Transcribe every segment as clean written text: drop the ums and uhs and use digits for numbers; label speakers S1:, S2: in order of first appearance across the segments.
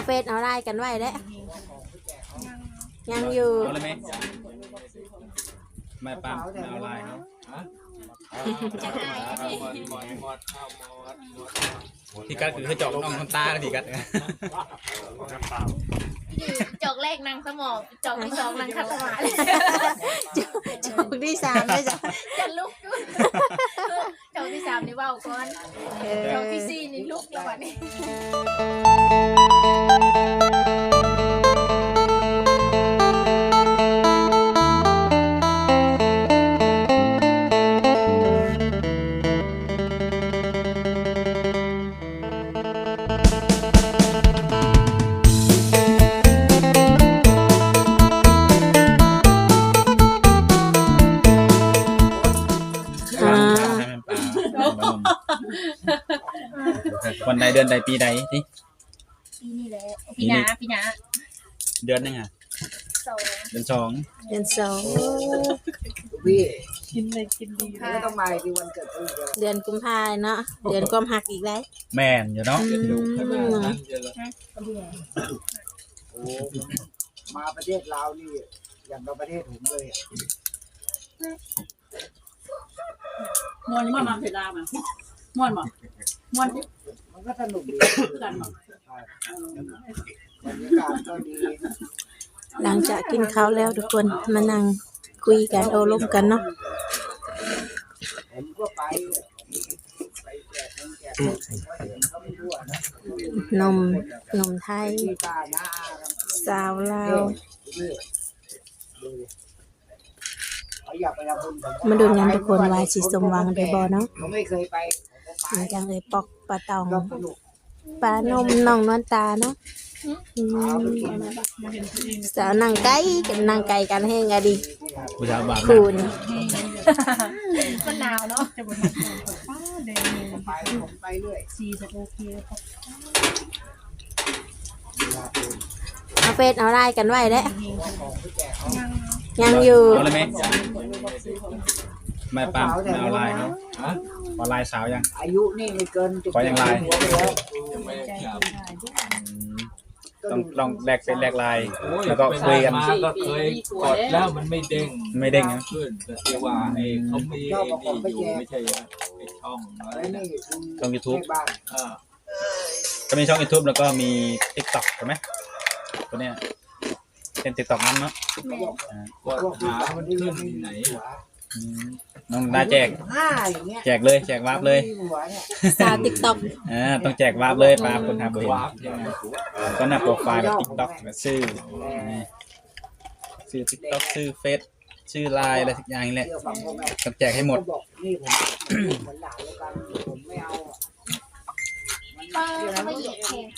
S1: ฟซเอาไลน์กันไว้แล้วยังอยู่
S2: เอาเลยไหมไม่ปั๊มไม่เอาไลน์เนาะที่กัดคือจอกน้องคนตาที่กัด
S3: จอกแรกนางสมองจอกที่สองนางคัดสมาธิ
S1: จอกที่สามเลยจ้ะ
S3: จะลุกจอกที่สามนี่ว่าวก่อนจอกที่สี่นี่ลุกแล้ววันนี้
S2: วันใดเดือนใดปีใดนี่
S3: ปีนี้แหละปีหน้า
S2: เดือนนึงอ่ะเดือนสอง
S1: เดือนสอง
S4: พี่กินเลยกินดีแล้วต้องมาที่วันเกิดเขา
S1: เดือนกุมภาเนาะเดือนความหักอีกแล้ว
S2: แม่นอยู่เนาะ
S4: โอ้มาประเทศลาวนี่อย่างกับประเทศผมเลย
S5: มวนนี่มันมาเสร็จแล้วมั้ยม่วนบ่ม่วน
S4: มันก็สนุกดี
S5: กันบ่
S4: บรรยากาศก็ดี
S1: หลังจากกินข้าวแล้วทุกคนมานั่งคุยกันโอ้ลมกันเนาะ
S4: ผมก็ไปแจกเขาไม่รู้นะ
S1: นมไทยสาวลาวมาดูงานทุกคนว่าสิสมหวังได้บ่เนาะ
S4: ผมไม่เคยไป
S1: มันจังเลยปอกปลาตองปลานมน้องนวลตาเนาะสาวนั่งไก่กันนั่งไก่กันแห้งอะดิ
S2: ผู้สาวบาป
S1: คูณ
S3: มันหนาวเนาะ
S4: ไปเรื่อย
S5: ซีจะโอเค
S1: เอาเฟซเอาไลน์กันไว้แล้วยังอยู่
S2: เอาเลยไหมไม่ปั๊มไม่เอาไลน์เนาะเอาไลน์สาวยัง
S4: อายุนี่ไม่เกิน
S2: ขอยังไลน์ต้องลองแลกเป็นแลกไลน์แล้วก็คุยกัน
S6: ก็เคยกดแล้วมันไม่เด้ง
S2: นะ
S6: ขึ้นแต่ว่าไอ้เขามีอยู่ไม่ใช่ไอ้ช่องอะไรนะ
S2: ช่อง YouTube ก็มีช่อง YouTube แล้วก็มี TikTok ใช่ไหมตัวเนี้ยเป็น TikTok นั่นเนาะ
S6: กดหามันขึ้นที่ไหน
S2: น้องได้แจกเลยแจกวาร์ปเลย
S1: สาว TikTok
S2: ต้องแจกวาร์ปเลยปลาคนทำเห็นก็หน้าโปรไฟล์แบบ TikTok ชื่อ TikTok ชื่อเฟซชื่อไลน์อะไรสักอย่างนี่แหละต้องแจกให้หมด
S4: นี่ผมหลานแล้วกันผมไม่เอา
S3: ไม่เหยียดแขน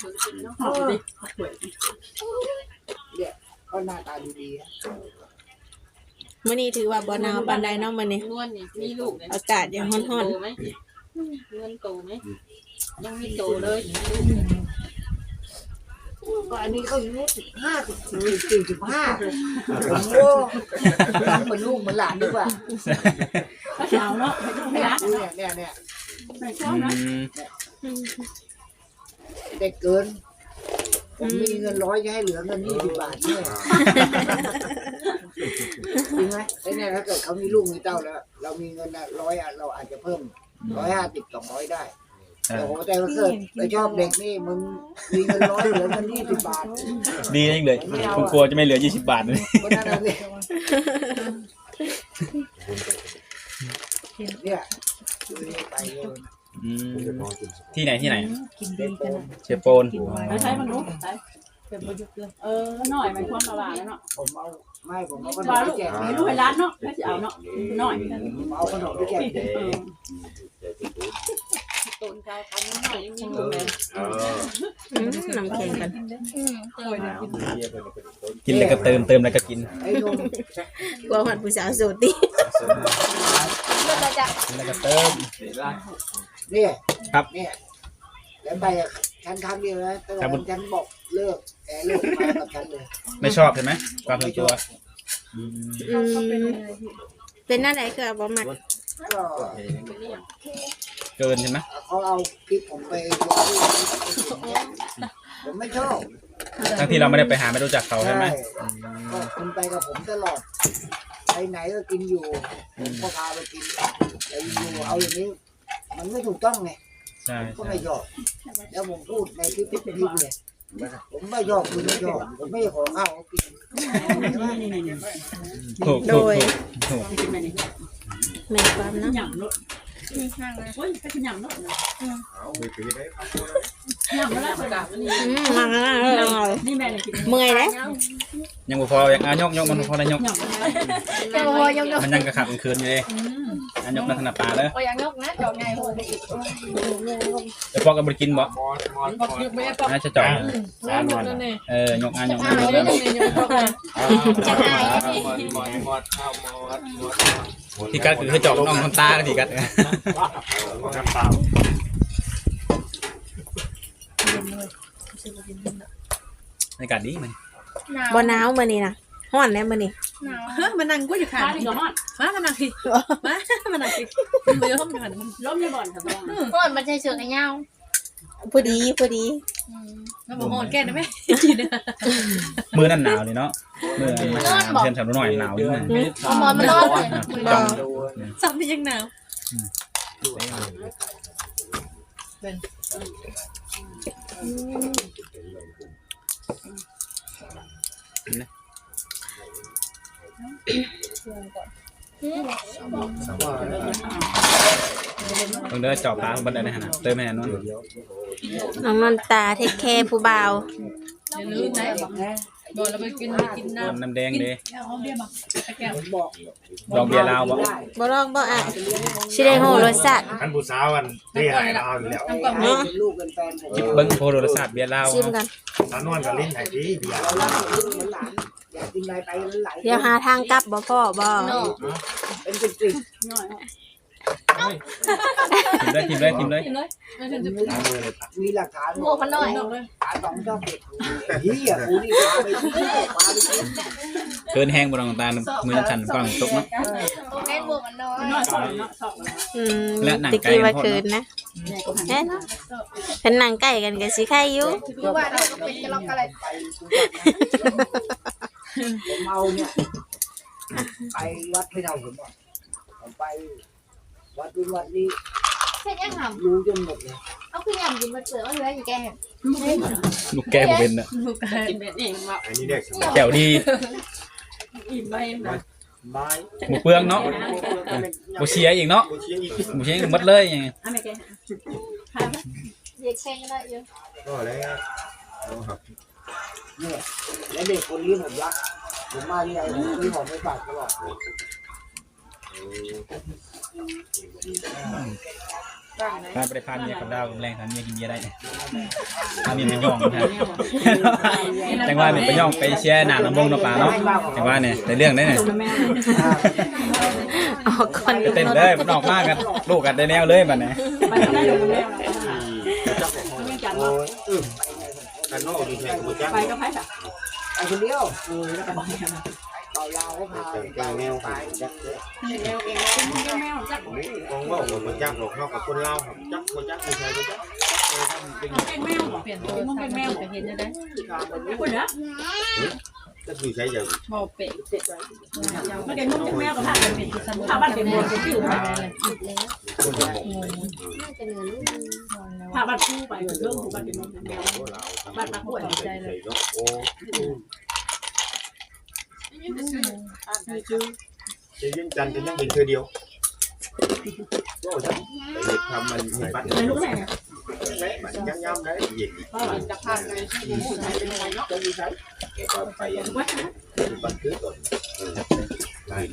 S4: เนี่ยก็หน้าตาดี
S1: มื้อนี้ถือว่าบ่หนาวปานใดเนาะมื้อนี้
S5: นวลนี่มีลูก
S1: อากาศยังร้อน
S5: ๆมั้ยนวลโตมั้ยยังมีโตเลย
S4: ก็อันนี้เขาอยู่45 ผมโอ้ทำเหมือนลูกเหมือนหลานดีกว่า
S5: สาวเนาะ
S4: เนี่ยเด็กเกินผมมีเงิน100จะให้เหลือเงิน20 บาทเนี่ยจริงไหมไอ้เนี่ยถ้าเกิดเขามีลูกมีเต้าแล้วเรามีเงิน100เราอาจจะเพิ่ม150 200ได้โอ้โหแต่ถ้าเกิดไปชอบเด็กนี่มึงมีเงิน100เหลือเงิน20 บาท
S2: ดีจริงเลยผมกลัวจะไม่เหลือ20 บาทเลย
S4: เนี่ยไป
S2: ที่ไหน
S5: กินดีกัน
S2: เชฟโปน
S5: ใช้มันรู้ใช้เป็นประยุกต์เลยหน่อยมันความละลายแล้วเนาะ
S4: ผมเอาขนมไปแจก
S5: ไม่รู้ให้ร้านเนาะไม่จะเอาเนาะหน่อย
S4: เอาขนมไปแจก
S5: ต้นข้าวทำหน่อยยังมีเลย
S1: น้ำแข็งกัน
S2: กินแล้วก็เติมแล้วก็กิน
S1: กลัวหัดผู้สาวสูตรดิ
S2: แล้วก็เติม
S4: นี่
S2: ครับ
S4: นี่แล้วไปฉันครั้งเดียวนะแต่ฉันบอกเลิกมากับฉันเลย
S2: ไม่ชอบใช่ไหมความส่วนตัว
S1: เป็นหน้าไหนก็บ่มัก
S2: เกินใช่ไหม
S4: เขาเอาคลิปผมไปลงผมไม่ชอบ
S2: ทั้งที่เราไม่ได้ไปหาไม่รู้จักเขาใช่ไหม
S4: ก็คุณไปกับผมตลอดไปไหนก็กินอยู่ผมก็พาไปกินแต่อยู่เอาอย่างนี้ มันไม่ถูกต้องไง
S2: ใช่
S4: ก็ไม่ชอบแล้วผมพูดในคลิปเลยผมไม่ชอบคุณไม่ชอบผมไม่ขอข้าวเขากิน
S2: ถูก
S1: โด
S2: ถูก
S1: ย
S2: ถูก
S5: กินไปนี่
S1: แม่ความเนาะ
S5: หยำเนาะ
S3: นี่ข้างเลย
S5: โอ้ยไปกินหยำเนาะ
S6: เอาไปปีได้ครับ
S5: หยำแล้วประกาศนี่
S1: มาเลย
S5: นี่แม่เลยกิน
S1: เมื่อยเลย
S2: ยังบ่พอยังยกมันบ่พอได้ยก
S5: หยำ
S3: เจ้าพอยก
S2: มันยังกระขับกลางคืนอยู่เลยยกลักษณะปลาเลย
S3: โอ้ยังยกนะจอกไงโหไปอีก
S2: แต่พอกับบริกินบ่
S6: มอส
S2: น่าจะจ่อย
S6: สามวัน
S2: ยกยก
S6: มอสข้าวมอส
S2: ที่กัดคือจอกน้องคนตาที่กัด
S6: น้ำเปล่า
S2: บรรยากาศดีมัน
S1: บ่หนาวมื้อนี้นะร้อนแน่มื้อนี้
S3: หนาว
S5: เฮ้ยมันนั่งกูอยู่ข้างนี่ก็ฮอดมานั่งสิมามานั่งสิมันล้มอยู่หันล้มอยู่บ่อนครับน้อง
S3: ก่อนมันใช้เชือกไอ้เงา
S1: พอดี
S5: แล้วบ่ฮอดแก่ได้ไหม
S2: มือนั่นหนาวเลยเนาะมือเพื่อนสาวหน่อยหนาวอยู่นะ
S3: เอาหมอนมานอนเลย
S2: จ้อง
S5: ซ้ำที่ยังหนาว
S2: ต้องเดินจอบปลาบันไดได้ขนาดเติมให้นั่น
S1: น้องนนตาเทคแคร์ผู้บ่าว
S5: อย่าลืมนะบ่เราไปกินน้ำ
S2: น้ำแดงเด้
S5: เอาเบียร์บ่แก้ว
S4: ผมบอก
S2: ลองเบียร์ลาวบ่
S1: บ่ลองบ่อ่ะสิได้ฮู้รสชาติ
S6: ท่านผู้สาววันที่หายเราแล้ว
S4: เป็นลูกเป็นแฟนผม
S2: จิบเบิ้งโพโรศาสตร์เบียร์ลาว
S1: ชิมกัน
S6: สาวนวลกับลิ้นหายดีเบียร์
S4: เรารักเหมือนหลานอยากกินอะไรไปไหล
S1: เดี๋ยวหาทางกลับบ่พ่อบ่
S4: เป็นกลิ่น
S5: น้อย
S2: ทิมเลย
S5: กินเลย
S6: ล้างมือเลย
S4: มีหลักฐาน
S3: หมวกมันหน่อย
S4: ฐานสองเจ้าเด็กเฮียกูนี่พาไปกินพาไปกิน
S2: เกินแห้งบนรองตามือสั่นฟังตกเนาะ
S3: โอเคหมวกมันน้อย
S5: น้อยสองเนาะสอง
S1: ตะกี้ว่าคืนนะเอ๊ะเพิ่นนั่งใกล้กันก็สิไข่อยู่
S3: คือว่าเราก็เป็นจะล็อกอะไร
S4: ไปผมเอาเนี่ยไปวัดไม่เอาผมบอกผมไปวัดนู้นวัดนี้
S3: เช่นยังหำ
S4: รู้จนหมดเลย
S3: เอาขึ้นยำกินมันเปลือกมันเหลืออยู่แก
S2: ลูกแก้วเป็นอ่ะ
S5: ลูกกินแบบนี้ว่า
S6: อันนี้เด็กสมัย
S2: แก้วดี
S5: อิ่มไปนะ
S6: ไม้
S2: หมูเปลืองเนาะหมูเชียอีกเนาะ
S6: กูเชียร์อีก
S2: หมูเชียหมดเลยยังไง
S5: อันไหนแก
S3: เด็กแข่งได้เยอะ
S6: ก็แล้วครับ
S4: เนี่ยและเด็กคนนี้ผมรักผมมาที่ไหนผมซื้อของไปฝากตลอด
S2: ถ้าไปพาเมียกับดาวแรงทำเมียกินเมียได้ถ้ามีเป็นย่องนะจังว่าเนี่ยไปย่องไปเชียร์หนาลำบงน้ำปลาเนาะจังว่าเนี่ยในเรื่องได้เนี่ย
S1: ออกก่อน
S2: เต้นเลยมันออกมากกันลูกกันได้แนวเลยบัดนี้
S5: ไปทำได้อยู่แล้วไม่จัด
S6: โอ้ยกันนอกดีแทนกูจัก
S5: ไปก็ไปค่ะ
S4: ไอ้คนเดียว
S5: แล้วก็บอกให้มา
S4: เอายาวเขาพาไปแนวไปจักเลย
S5: แมวแมวจัก
S6: กองว่าผมจักหลอกนอกกับคนเล่าครับจักคนจักไม่ใช่คนจัก
S5: เป็นแมวเปลี่ยนตัวมึงเป็นแมวเห็นจะได้คุณนะ
S6: ก็คือใช้อย่าง
S5: พอเป็ดเป็ดไม่ได้มึงเป็นแมวกับผ้าเป็นผ้าบ้านเป็นหมวกเป็นผิวผ้าเลย
S6: คนจะบอก
S3: น่าจะเหลือลูก
S5: ผ้าบ้านคู่ไปเรื่องของบ้านเป็นแมวบ้านมาป่วยใจเลย
S6: โอ้จะยิ่งจันจะยังเป็นเธอเดียวก็ฉันทำมันมีปัด
S5: ไม่รู้ไหน
S6: มันยังย้ำได้เย็น
S5: ก็จะพาไปที่หมู่ไหนเป็นอะไรเนาะ
S6: จะมีใช้แกก็ไป
S5: วัด
S6: บันทึกก่อนไล่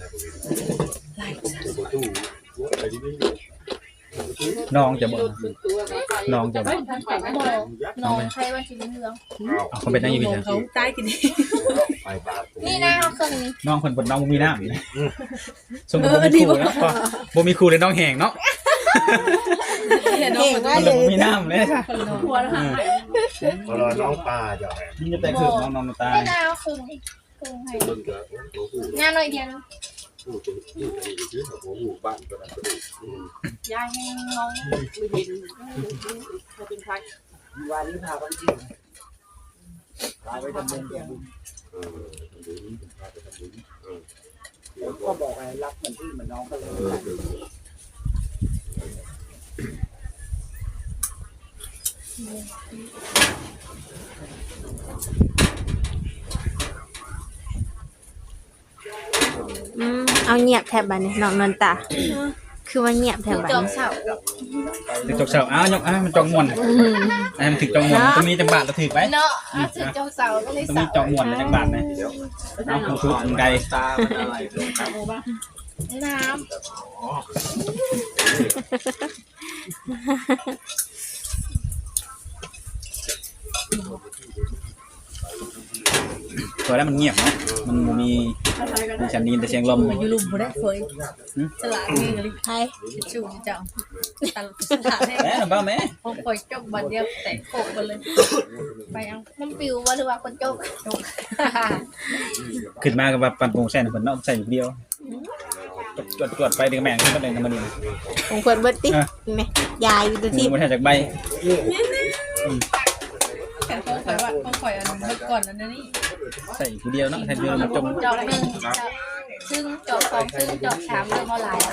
S6: ตู้อะไรที่นี่
S2: น้องจะบอกน้องจะบอก
S3: น้องใครว่าชีวิตเรื่อง
S2: เอาเขาเป็นนั่งอยู่พี่
S5: เขาตายกิน
S6: ไปบ้าน
S3: นี่นะเขาเครื่องนี้
S2: น้องคนบนน้องมีน้ำสมมติบ่มีครูแล้วก็บ่มีครูเลยน้องแหงเนาะ
S5: เห็น
S1: เก่ง
S5: น้อง
S1: มาก
S2: มัน
S1: เล
S2: เลย
S1: ย
S2: บ่มีน้ำเลยค่ะ
S5: หัวแล้วค่ะ
S6: พอเราน้องปลาจะ
S2: นี่จะแต่คือน้องตา
S3: ไม่น่าเอาเครื่องนี้เครื่องให้
S6: คนก็ตัวผู้
S3: งานหน่อยเดียว
S6: ผู้ตัวผู้อะไรอย่างเงี้ยหัวหูบ้านก็ได้
S5: ยายให้น้องไม่เห็นเป็นใคร
S4: วันนี้พาไปเที่ยวไปไปทำบุญก็บอกให้รักมันที่มันน้องก็เลย
S1: เอาเงียบแทบบัดนี้น้องนนตาคือว่าเงียบแทบบัด
S3: จอม
S1: นี้
S3: เสา
S2: ถึกจกเสาอ้าวยกมันจองมวนมันถึกจองมวนตรงนี้จังบาทเราถือไป
S3: เนาะถึงจอมเสาก็เลย
S2: ตรง
S3: เสา
S2: นี้จองมวนจังบาทนะเอาผู้ชุดไกล
S6: ตามันอะไร
S3: น้
S2: ตัวแล้วมันเงียบเนาะมันมีฉันนี้แต่เสียงลม
S5: อยู่ลุมบ่ได้เคยฉลาดนี่ก็เลย
S1: ใช่
S5: ชูจังตลาดให้
S2: แม่บ้าแม่
S5: พอคอยจบบัดเดียวแตกโคกไปเลยไปเอา
S3: ำมันปิวว่าหรือว่าคนโจก
S2: ขึ้นมากับปั่นโป่งแซ่นเพิ่นเนาะใส่อยู่เดียวจวดไปดึงแม่งขึ้นมาเลยกันมานี่
S1: ของเพิ่นเบิดติแม่ยายอยู่ตัวที่
S2: มันแทบจากใบ
S5: แต่พอคอยว่าพอคอยอันเมื่อก่อนอันนี้
S2: ใส่อยู่เดียวเนาะแทบเดียวมันจม
S3: จอกหนึ่งซึ่งจอกสองซึ่งจอกสามเริ่มออนไลน์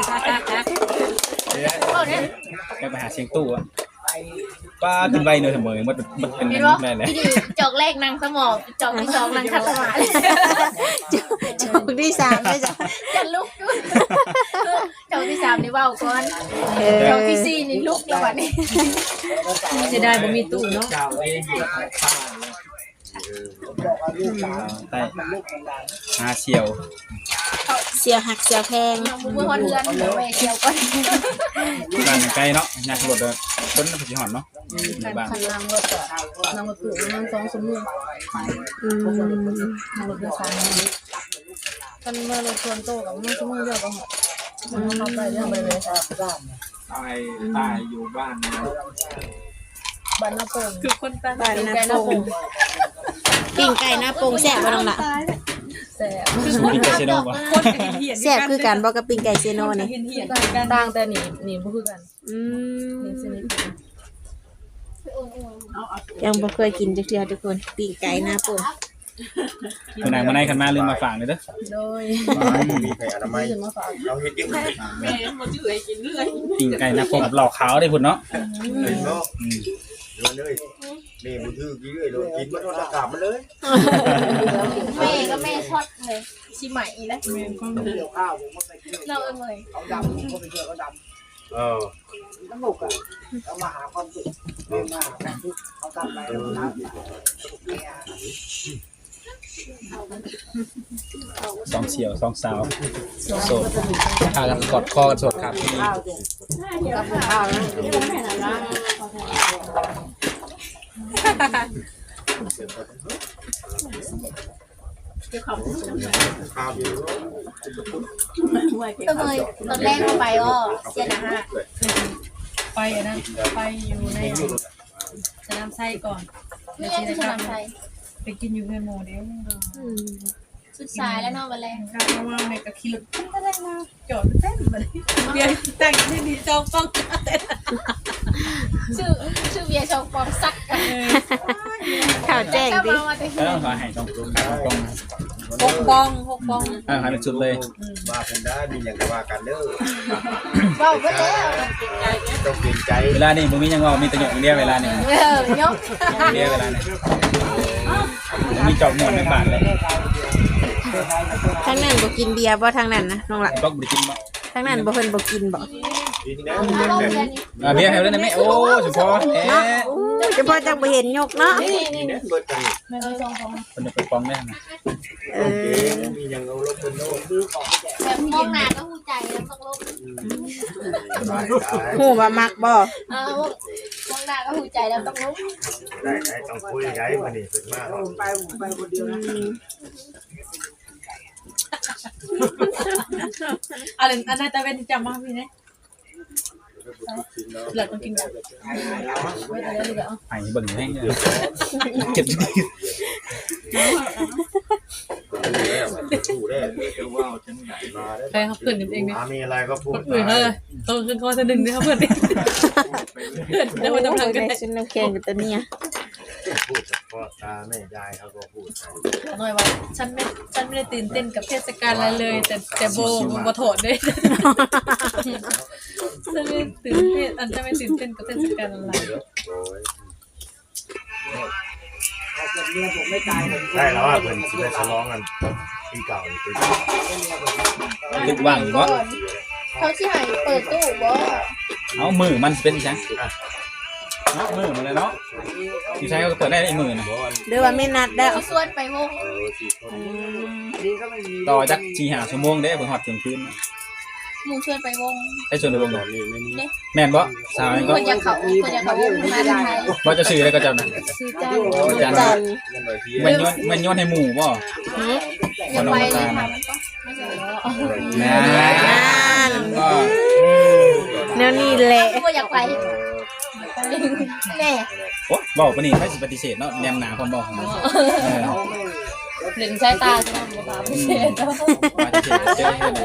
S2: ไปหาเสียงตู้อะป้าขึ้นใบเนยเสมอมันเป็น
S3: เห็น
S2: แบ
S3: ว่า
S2: บนั้นเลย
S3: ที่จอกแรกนางสมองจอกที่สองนางคัดสมาธิ
S1: จอกที่3ได้จ้ะ
S3: จะลุกด้วยจอกที่สามนี่ว่าวก่อนจอกที่สี่นี่ลุกแล้ววันนี้
S5: จะได้บ่มีตู้เนาะ
S4: บอกว่าลูกสาว
S2: ใต้
S4: มันลูกของเรา
S2: หาเชียว
S1: เสียวหักเสียวแพง
S3: น้องมือคนเรือนเดี๋ยวแม่เชียวก่อน
S2: บ้านใกล้เนาะยากรถเลยต้นน้ำผึ้งหอนเนาะในบ้าน
S5: คันนางรถก็นางรถตู้นาง2 ชั่วโมง
S1: อืม
S5: นางรถโดยสารกันเมื่อรถชวนโตกับมันชั่วโมงเดียวก็หอดมันเข้าไปเรื่องไปเลย
S6: ตายอยู่บ้าน
S5: บ้านนาโป่งคือคนตา
S1: บ้านนาโป่งปิ้งไก่หน้าโป่งแซ่บบ่น้องล่ะ
S5: แซ่บ
S2: มีกาเซโน่ปะ
S1: แซ่บคือกันบ่กับปิ้งไก่เซโนนี่
S5: เหียนต่างแต่นี่บ่คือกัน
S1: อืม
S5: นี่สนิท
S1: ยังบ่เคยกินจักเทื่อทุกคนปิ้งไก่หน้าโป่ง
S2: เมื่อไหร่มาในคันมาลืมมาฝากเลยเด้อ
S5: โดย
S6: มีใครอนามัย
S5: ขึ้นมาฝาก
S6: เราเฮ็ดยังไง
S2: ปิ่งไก่นะผมหลอกขาวได้พุ่นเนาะ
S6: เห็นเนาะโดนเลยนี่บุถือกี่เลยโดนกินมันโดนตะกาบมันเลย
S3: แม่ก็แม่ช็อตเลยชิใหม่แล้ว
S4: เกี่ยวข้าวผมก็ไปเที่ยว
S3: เราเลย
S4: เขาดำผมก็ไปเที่ยวเขาด
S6: เออ
S4: ำสนุกอ่ะเขามาหาความสุขเขามาหาความสุขเขาทำอะไรแล้วนะเนี่ย
S2: สองเสี่ยวสองสาวโสดพากันกอดคอกันสดครับ
S4: ข้าวสิกับข้าวนะ
S6: ข้าวอยู่
S3: ก็เลยตอนแรกเข้าไปก็เสียนะฮะ
S5: ไปอันนั้นไปอยู่ในสนามไส้ก่อน
S3: นี่ยังจะทำไทย
S5: ไปกินอยู่เพื่อนโมเดล
S3: สุดสายแล้วเนาะวันแรก
S5: ข้าวว่าแม่ก็ขี่รถก็ได้มาจอดเต้นมาเลยเดี๋ยวแต่งที่ดีจองป้องเต้น
S3: ชื่อเบียร์ชองปองซักกัน
S1: ข่าวแจ้งดิ
S3: มาแต่
S2: แล้วขอให้ตรง
S5: 6 ปอง
S2: ให้เป็นสุดเลย
S6: มาเป็นได้มีอย่างว่ากันเด้อ
S3: เบาไปแล้ว
S6: ต้องเปลี่ยนใจ
S2: เวลานี่มึงมียังว่ามีตะหยกเดียวเวลานี่
S3: ยก
S2: เดียวเวลานี่มีจอกหมวนในบาทเลย
S1: ทางนั้นบ่กินเบียร์บ่ทางนั้นนะน้องล่ะ
S2: ก็บริกินบ่
S1: ทางนั้นบ่เพิ่นบ่กินบ่
S6: ดีนะ
S3: ลงเรียน
S2: เบียร์ให้ได้ไหมโอ้สุพรเอ๊ะ
S1: เฉพาะจังบ่เห็นยกเนาะ
S6: นี่นะเบิดกัน
S3: ไม่เคยชองปอง
S2: คนจะไปฟ้องได้ไหม
S1: เออ
S6: มีอย่างเอาลบเป็นโน่น
S3: แบบมองหน้าก็หูใจแล้วต้องลง
S1: ฮู้ว่ามักบ่
S3: มองหน้าก็หูใจแล้วต้องลง
S6: ได้ต้องคุยได้มานี่เป็นมาก
S4: ผมไปคนเดียวนะ
S5: อะไรอันนั้นจะเป็นจำมาพี่เนี่ยหลักต้องกินแบบไม่ได้เลยก็
S2: ไอ้เบิ่งให้เก็บ
S6: ถูได้จะว่าจังไหนมาได้
S5: ใครเขาเพื่อนเองเนี่ย
S6: มีอะไรก็พูด
S5: คนอื่นเขาเลยต้องขึ้นคอจะดึงด้วยครับเพื่อนเดี๋ยวมันจะพังกัน
S1: ได้ชุดน้ำแข็งกับตัวเนี้ย
S6: พูดกับพ่อตาแม่ยายเขาก็พูดกัน
S5: หน่อยว่าฉันไม่ได้ตื่นเต้นกับเทศกาลอะไรเลย แต่โบโถดเลยฉันไม่ตื่นเต้นไม่ตื่นเต้นกับเทศกาลอะไร
S4: ถ้าเกิดเมียผมไม่ตายผม
S6: ใช่แล้วว่าเพิ่นสิไปฉลองกันปีเก่าปี
S2: คิดว่างอยู่บ่
S3: เขาสิให้เปิดตู้บ่
S2: เอามือมันเป็นจังเนาะมือมันเลยเนาะที่ใช้ก็เปิดได้ไอ้มือน่ะ
S1: หรือว่าไม่นัดแล้ว
S3: ส่วนไปวง
S4: ดีก็ไม่มี
S2: ต่อจัก4-5 ชั่วโมงเด้บ่ฮอดเที่ยงคืน
S3: หมู่ชวนไปวง
S2: ไปชวนวงแม่นบ่สาวนี่ก็
S3: คนอยากเขาวงมาไทย
S2: บ่จะซื้อแล้วก็เจ้าน่ะ
S5: ซื้อจ้า
S2: จันมันโยนให้หมู่บ่
S3: อยากไปเลยค่ะมันก็ไม่ใช่
S2: นั่นก็
S1: แนวนี้แหละ
S3: ก็อยากไปแน่
S2: โอ้บอกปะนี่ไม่สิปฏิเสธเนาะแนมหนาความบอกของมัน
S5: เล่นใช้ตาใช่ไหมบ่พิเศษ
S2: ปฏิเสธเจอเฮ็ดเลย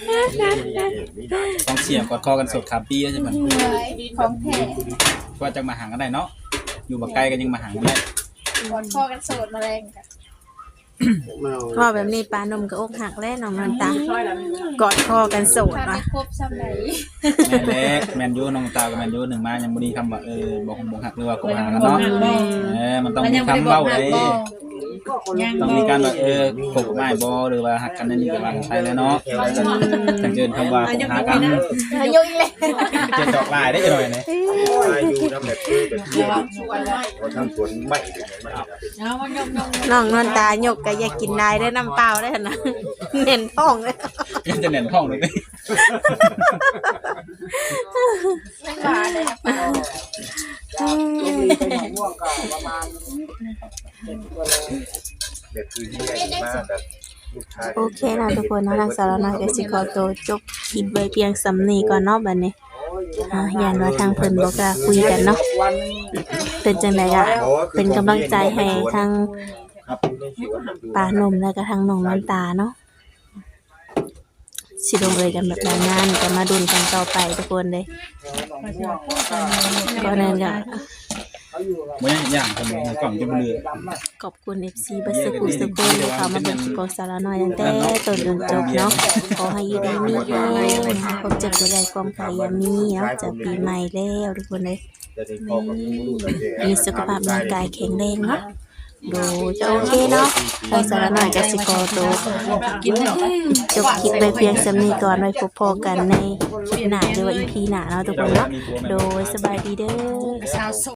S2: ต้องเสียงกอดคอกันสดคาปีใช่ไหม
S3: ของแท้
S2: ว่าจะมาหากันได้เนาะอยู่บักไกลกันยังมาหากันได้
S3: กอดคอกันโสดมาแรงกัน
S1: ว่าแบบนี้ปานมก็อกหักแล้วน้องนันตากอดคอกันโสด
S3: ถ้า
S1: ว่ะ
S3: ไม่ครบซ้ำไหน
S2: แม่นเล็กแมนยูน้องตากับแมนยูหนึ่งมายังบ่มีคำว่าบอกหักหรือว่าโกหากันเนาะมันต้องมีคำเบ้าเลยต้องมีการว่าโกไม่บอหรือว่าหักกันนั่นนี่ก็ว่ากันไปแล้วเนาะจังเจินคำว่าโกหากัน
S3: อายุอีกแล้ว
S2: เจอดอกลายได้จังหน่อยนี่
S6: อายุน้ำแบบคือแบบเขาทำสวนไม่ไม่
S1: น้องนันตายกก็อยากกินได้ได้น้ำเปล่าได้นะเน้นท้องเลย
S2: ยังจะเน่นท้องเลยนี่
S3: ไม่มาเลยนะป้า
S4: มีเป็นมะม่วงก็ประมาณ7 กิโล
S6: แบบคือที่ใหญ่มากแบบลูกชาย
S1: โอเคนะทุกคนเนาะทางสารน้อยก็สิขอตัวจบคลิปไว้เพียงสำนี้ก่อนเนาะบัดนี้ยันว่าทางเพิ่นบ่กล้าคุยกันเนาะเป็นจังได๋ก็เป็นกำลังใจให้ทาง
S6: ครับในสวน
S1: ปานมแล้วก็ทางน้องน้ำตาเนาะสิลงเอยกันแบบนานๆก็มาดุนกันต่อไปทุกคนเลยก็นั่นก็
S2: บ่ยังอย่างคนนึงกล่องจะบ่เหลือ
S1: ขอบคุณ FC บัสกุสกุลที่เขามาเป็นสปอนเซอร์น้อยตั้งแต่ต้นจนจบเนาะขอให้อยู่ดีมีแรงความเจ็บจะได้ความขยันมีเนาะจะปีใหม่แล้วทุกคนเลย
S6: จะได้พอกับลูกๆ
S1: มีสุขภาพร่างกายแข็งแรงเนาะดูจะโอเคเนาะทางสารน้อยก็สิขอตัวจบคลิปไปเพียงสำนี้ก่อนไว้พบพอกันในคลิปหน้าหรือว่า EP หน้าเนาะทุกคนเนาะโดยสบายดีเด้อ